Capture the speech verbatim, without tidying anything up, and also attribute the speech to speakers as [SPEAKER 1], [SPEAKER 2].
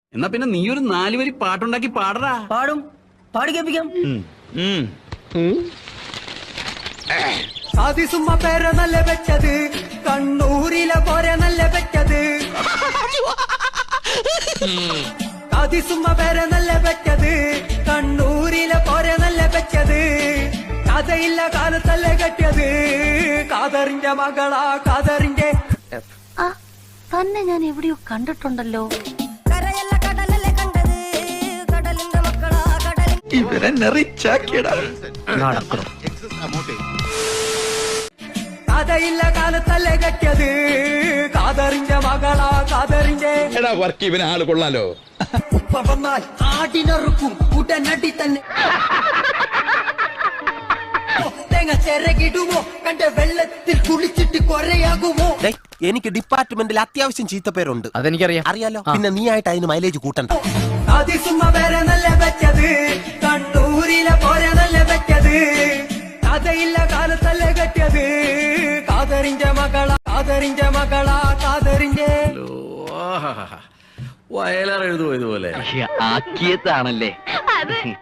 [SPEAKER 1] എന്നാ പിന്നെ നീ ഒരു നാല് വരി പാട്ടുണ്ടാക്കി പാടറാ.
[SPEAKER 2] പാടും, പാടി കേൾപ്പിക്കാം.
[SPEAKER 3] സാധിസുമ്മ പേര് നല്ല വെച്ചത്, കണ്ണൂരിലെ പോരെ നല്ല വെച്ചത്. സാധിസുമ്മ പേര് നല്ല വെച്ചത്, കണ്ണൂരിലെ പോരെ നല്ല വെച്ചത്. കഥയില്ല കാലത്തല്ലേ കെട്ടിയത്, കാതറിന്റെ മകളാ കാതറിന്റെ.
[SPEAKER 4] തന്നെ ഞാൻ എവിടെയോ കണ്ടിട്ടുണ്ടല്ലോ.
[SPEAKER 5] ഇവരെ നെറിച്ചാക്കിയടാ.
[SPEAKER 3] കഥയില്ല കാലത്തല്ലേ കെട്ടിയത്, കാതറിന്റെ മകളാ കാതറിന്റെ.
[SPEAKER 5] എടാ വർക്ക് ഇവന് ആള് കൊള്ളാലോ.
[SPEAKER 3] ഉപ്പ വന്നാൽ ആടിനറുക്കും ഉടനടി തന്നെ. തേങ്ങ ചിറകിടുമോ, കണ്ട വെള്ളത്തിൽ കുളിച്ചിട്ട് കൊറയാകുമോ.
[SPEAKER 2] എനിക്ക് ഡിപ്പാർട്ട്മെന്റിൽ അത്യാവശ്യം ചീത്തപ്പേരുണ്ട്.
[SPEAKER 6] അതെനിക്കറിയാം.
[SPEAKER 2] അറിയാലോ. പിന്നെ നീ ആയിട്ട് അതിന് മൈലേജ് കൂട്ടണ്ട.
[SPEAKER 3] സാധിസുമ്മ പേരെ നല്ല വെച്ചത്, കണ്ണൂരിലെ പോരെ നല്ല വെച്ചത്. കഥയില്ല കാലത്തല്ലേ കെട്ടിയത്, കാതറിന്റെ മകളാ കാതറിന്റെ മകളാ കാതറിന്റെ.
[SPEAKER 1] വയലാർ എഴുതുമോ ഇതുപോലെ?
[SPEAKER 6] ആക്കിയതാണല്ലേ.